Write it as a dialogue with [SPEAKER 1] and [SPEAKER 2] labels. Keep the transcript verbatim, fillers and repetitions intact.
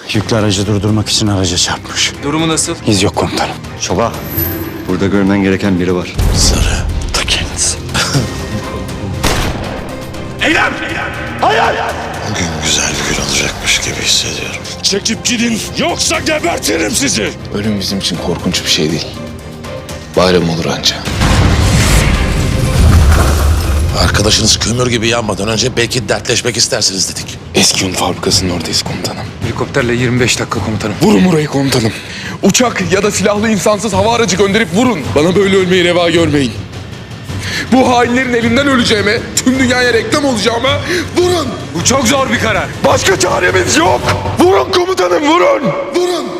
[SPEAKER 1] Yüklü aracı durdurmak için araca çarpmış.
[SPEAKER 2] Durumu nasıl?
[SPEAKER 1] İz yok komutanım.
[SPEAKER 3] Çoba, burada görmen gereken biri var.
[SPEAKER 1] Sarı. Ta kendisi.
[SPEAKER 4] Eylem!
[SPEAKER 5] Bugün güzel bir gün olacakmış gibi hissediyorum.
[SPEAKER 4] Çekip gidin yoksa gebertirim sizi.
[SPEAKER 6] Ölüm bizim için korkunç bir şey değil. Bayram olur anca.
[SPEAKER 5] Arkadaşınız kömür gibi yanmadan önce belki dertleşmek istersiniz dedik.
[SPEAKER 6] Eski un fabrikasının oradayız komutanım.
[SPEAKER 2] Helikopterle yirmi beş dakika komutanım.
[SPEAKER 6] Vurun burayı komutanım. Uçak ya da silahlı insansız hava aracı gönderip vurun. Bana böyle ölmeyi reva görmeyin. Bu hainlerin elinden öleceğime, tüm dünyaya reklam olacağıma vurun.
[SPEAKER 2] Bu çok zor bir karar.
[SPEAKER 6] Başka çaremiz yok. Vurun komutanım, vurun. Vurun.